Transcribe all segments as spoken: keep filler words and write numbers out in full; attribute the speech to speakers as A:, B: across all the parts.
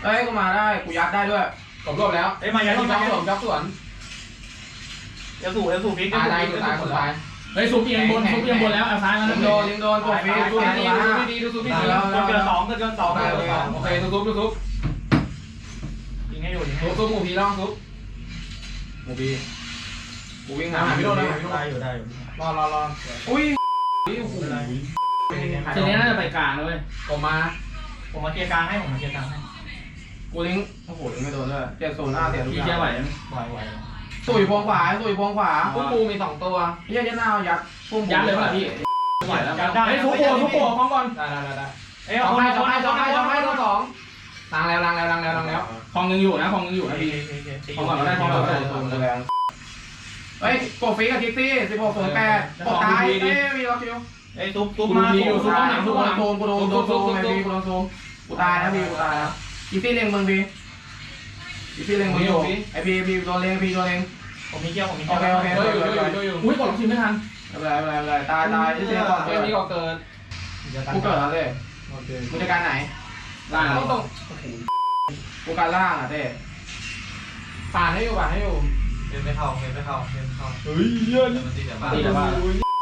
A: เอ้ยกูมาได้กูยัดได้ด้วยกบรวบแล้ว
B: เอ้ยมายัด
A: จ็อกสวนจ็อกสวน
B: เอลสูเอลสูพลิก
A: ตายตายตายคนตาย
C: เฮ้ยซุปเอียงบนซุปเอียงบนแล้วเอาซ้ายมา
A: ลิงโดนลิงโดนกดฟีดูดีดูดีดูดีดูดี
B: เกินสองเกินสอง
A: โอเคทุบทุบทุบ
B: ยิงให้อยู่ยิงให้
A: ทุบทุบหมูพีล่องทุบหมูพีกูวิ่งหาพี่โดนนะพี่โดน
B: ได้อยู่ได้อยู่
A: รอรอรออุ้ยโอ้โห
C: ทีนี้น่าจะไปกลางเลย
A: ผมมา
B: ผมมาเคลียร์กลางให้ผมมาเคลียร์กลางให้
A: กูลิงโอ้โหลิงไม่โดนด้วยเจ็ดโซนหน้าเสียทุกอ
C: พี่
A: ย่าง
C: เชียร์ไหวไหม
B: ไหวไหว
A: ตุ๋ยพวงขวาตุ๋ยพวงขวาพุ่งปูมีสองตัวพี่ยัดหน้ายัดพุ่ง
C: ยัดเลยป่ะพี่
A: ไหวแล้ว
C: เฮ้ยทุบโผล่ทุบโผล่ฟ้องก่อน
A: ได้ได้ได้
B: เอ้ย
A: สองให้สองให้สองให้สองให้ตัวสองล้างแล้วล้างแล้วล้างแล้วล้างแล้ว
C: คลองยังอยู่นะคลองยังอยู่นะพี่
A: ของก่อนก็ได้ของก่อนก็ได้ตัวมันแรงเฮ้ยโกฟีกับทิกซี่สิบหกศูนย์แปดกดตายเอ้ยมีล็อกคิว
B: เอ้ยทุบทุบมา
A: กูโดนโซมกูโดนโซมกูโดนโซมไอ้พี่กูโดนโซมกูตายนะพี่กูตายนะทิกซี่เล็งมึงพี่ทิกซี่เล็งมึงอยู่ไอพี่พี่โดนเล็งพี่โดนเล็ง
B: ผมมีเกี้ยวผมมี
A: โอ
B: เกี้ยว
A: เคโอเคโดนอยู่โดนอยู่
C: อุ้ยกดล็อกทีไม่ทัน
A: ไม่เป็นไรไม่เป็นไรตายตายที่เสียก่อนเกมนี้ก็เกินกูเกิดแล้วเลยมึงจะการไหน
C: ล่าง
A: ต้องตรงกูการล่างอ่ะเต้ผ่านให้อยู่ผ่านให้อยู่
D: เล่นไม่เข้าเล่นไม่เข้าเล่นไม่เข้า
C: เฮ้ยเยอะ
D: มันตีแต่บ้าน
C: ตีแต่บ้าน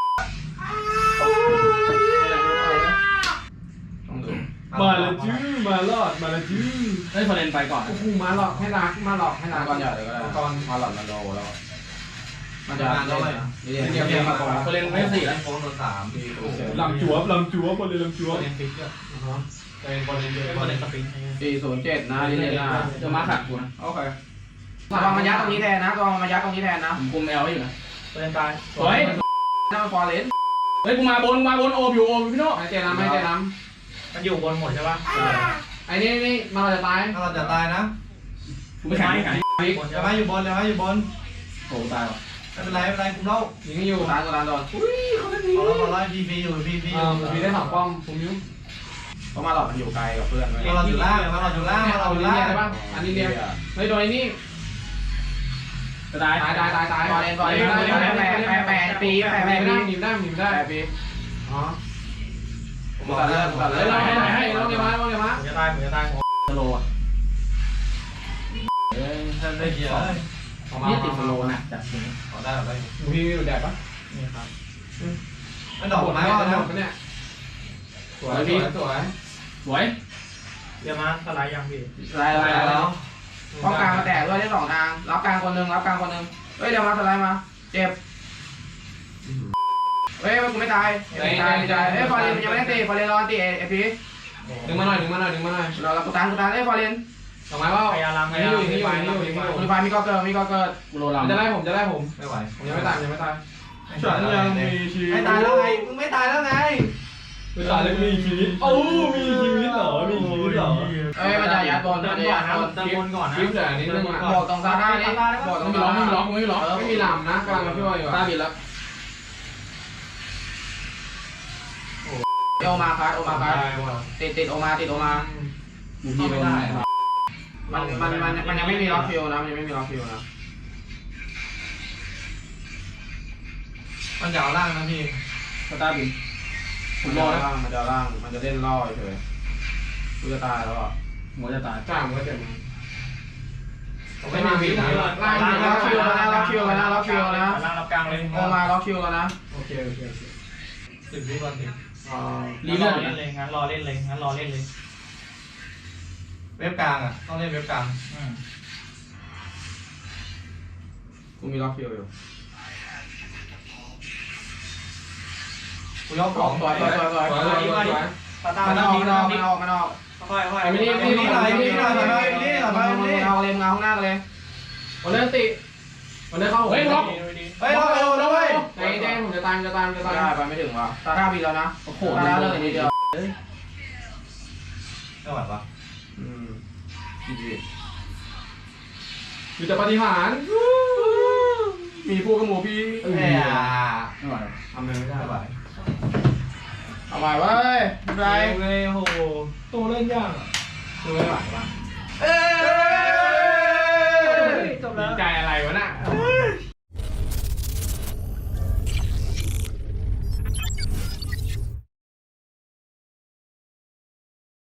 A: ต้องดู
C: มาละจื้อมาลอดมาละจื้อเฮ้ยพอเลนไปก่อน
A: โอ้โหมาหลอกให้นามาหลอกให้นาก่อนใหญ่เลยก็ได้ก่อนมาหลอกมาโดแล้วมันจะเล่นเรียนเรียนเรียนมาก่อน
C: พอเลนไม่สี่แล้ว
D: โค้งโดนสาม
C: ลำจั่วลำจั่วพอเลนลำจั่ว
B: เล่นฟิกเกอร์
D: เป็นบอลเล่นเยอะ
B: เป็นเล่นสปริง
A: ปีศูนย์เจ็ดนะเรียนนะ
C: จะมาขัดกูนะ
A: โอเคระวังมันยัดตรงนี้แทนนะระวังมันยัดตรงนี้แทนนะ
C: ผมคุมแอลอยู่นะ
B: เล่นตาย
C: สวย
A: นั่นมันฟอร์เรน
C: เฮ้ยกูมาบนมาบนโอบอยู่โอบพี่โน่
A: ไม่เจน้ำไม่เจน้
B: มันอยู่บนหมดใช่ป่ะ
A: ำไอ้นี่นี่มันจะตาย
D: ถ้าเราจะตายนะ
C: กูไม่แข็งไม่แข็ง
D: จะมาอยู่บนจะมาอยู่บน
C: โอ้ตายว่ะ
D: ไม่เป็นไรไม่เป็นไรคุมเล่า
A: ยิงอยู่ตายตัวนั้นโดนอุ้ยเขาไม่ดี
D: ขอเราขอเราพีพีอยู่พีพีอ
A: เอยู่ อมีได้สองป้อมผมยิ้มเพราะมาหลอกมันอยู่ไกลกับเพื่อน
D: มาเราอยู่ล่างมาเราอยู่ล่างมาเราอยู่ล่าง
A: ได้ป่ะอันนี้เรียนเฮ้ยโดนไอ้นี่
C: จะตาย
A: ตายตายตายตายฟอร์เรนฟอร์เรนแปดแปดแปดแปดปีแปดแปดปีหนีได้หนีได้แปดปีอ๋อผมตัดเลือดตัดเลือดให้ให้ให้ลงเดี๋ยวมาลงเดี๋ยวมา
B: ผมจะตายผมจะตาย
C: สโลอ่ะเอ้ย
D: ท่านได้เกียร์เลย
C: นี่ติดสโลน่ะจัดจริง
D: ขอได้แบบไร
A: ดูพี่ดูแดดปะ
B: นี่ครับ
D: ไม่ดอกไม้ว่าแล้ว
A: เนี่ยสวยพี่สวย
C: สวย
B: เดี๋ยวมาสไลด์ยังพี่
A: ลายลายแล้วป้องกลางมาแตกด้วยได้สองทางรับกลางคนหนึ่งรับกลางคนหนึ่งเฮ้ยเดี๋ยวมาสไลด์มาเจ็บเฮ้ยกูไม่ตายไม่ตายไม่ตายเฮ้ยฟอร์เรนยังไม่ได้ตีฟอร์เรนรอตีเอพีดึงมาหน่อยดึงมาหน่อยดึงมาหน่อยเราเรากูตานกูตานเอ้ยฟอร์เรนดอกไม้ว่า
B: พยายามพ
A: นี่
B: ยายา
A: อ
B: ม
A: ยู่นี่อยู่นี่อยู่นี่อยู่คุณไฟมีก็เกิดมีก็เกิด
C: กูโรลา
A: จะไล่ผมจะไล่ผม
D: ไม่ไหว
A: ผมยังไม่ตายยังไม่ตาย
D: ฉันยังมีชีวิตไม่ตายแล้วไงมึงไม่ตายแล้วไง
C: ไม่ตายแล้วมีชีวิตโอ้มีชีวิตเหรอมีชีวิตเหรอ
A: เอ้ยมันจะยัดบอล
B: เดิ
A: มัน
B: น
A: จะ
B: ก่อ
A: ยั
B: น
A: ด
B: นะ
A: บอล
B: เดินบนก่อนนะ
A: คลิปเหลือนิดนึงอ่ะบอกตรงซาด้านี่บอกตร
C: ไม่
A: ง
C: มี
A: ซา
C: ล็อกไม่
A: ด้า
C: มีล็อกไม่มีล็อก
A: เออไม่มีลำนะกำลังมาช่วยอยู่
C: ตาบิดแล้ว
A: โอมาคัสโอมาคัสติดติดโอมาติดโอมา
C: บูพีโดนไหน
A: มันมันมันมันยังไม่มีล็อกคิวนะมันยังไม่มีล็อกคิวนะ
D: มันยาวล่างนะพี่
C: สตาร์บินผ
A: มัน
C: มร
A: จะ
C: อแล้ว
A: ล่างมันจะล่างมันจะเล่นล่อเฉยกูจะตายแล้วอ่ะ
C: หัวจะตาย
A: จ้ามันก็เจ็บ
D: ไม่มีวินะ
A: ล่างล็อกคิวแล้วนะล็อกคิวแล้วนะล็อกคิวแล้วนะ
B: ล่างรับกลางเลย
A: โอมาล็อกคิวแล้วนะ
D: โอเคโอเคสิบวิวันสิบ
A: อ๋อ
C: รี
B: ร
C: เลื
B: อ
C: อด
B: เล่นเลยงั้นรอเล่นเลยงั้นรอเล่นเลย
D: เว็บกลางอ่ะต้องเล่นเว็บกลาง
B: อืม
A: กูมีล็อกคิวอยู่
D: กูยก
A: ส
D: ข
A: ว
D: อย ง
A: สวยสวยสวยสวยสวยสวย
B: ตาตา
A: มัน
B: ตา
A: ออก
B: พลิก
A: มันออก
B: พลิ
A: มัน
B: ก
A: ออกมันออก
B: ค่อยค่อย
A: ไอ้ไม่รีบรีบรีบรีบรีบรีบรีบเอาเลยเงาข้างหน้าเลยวันนี้ติวันนี้เข้า
C: เฮ้ยล็อก
D: เฮ้ยเราไปโดนแล้วเว้ย
A: ไอ้เด้ผมจะตามจะตามจะตามได้ไปไม่ถึงว่ะตาท่าบีแล้วนะโอ้โหตาเลยนิดเดียว
D: ไม่ไหวปะ
A: อืมมีแต่ปฏิหารมีพวกกระหมูพี่
D: เฮ้ย
C: ไม่ไหว
A: ทำอะไรไม่ได้
D: ไม่ไหว
A: เอาใหม่เว้ยไม่เป็นไร
D: เลยโอ้โห
C: ตัวเล่นยาก
A: คือไม่ไหวว่ะ
D: เอ้ย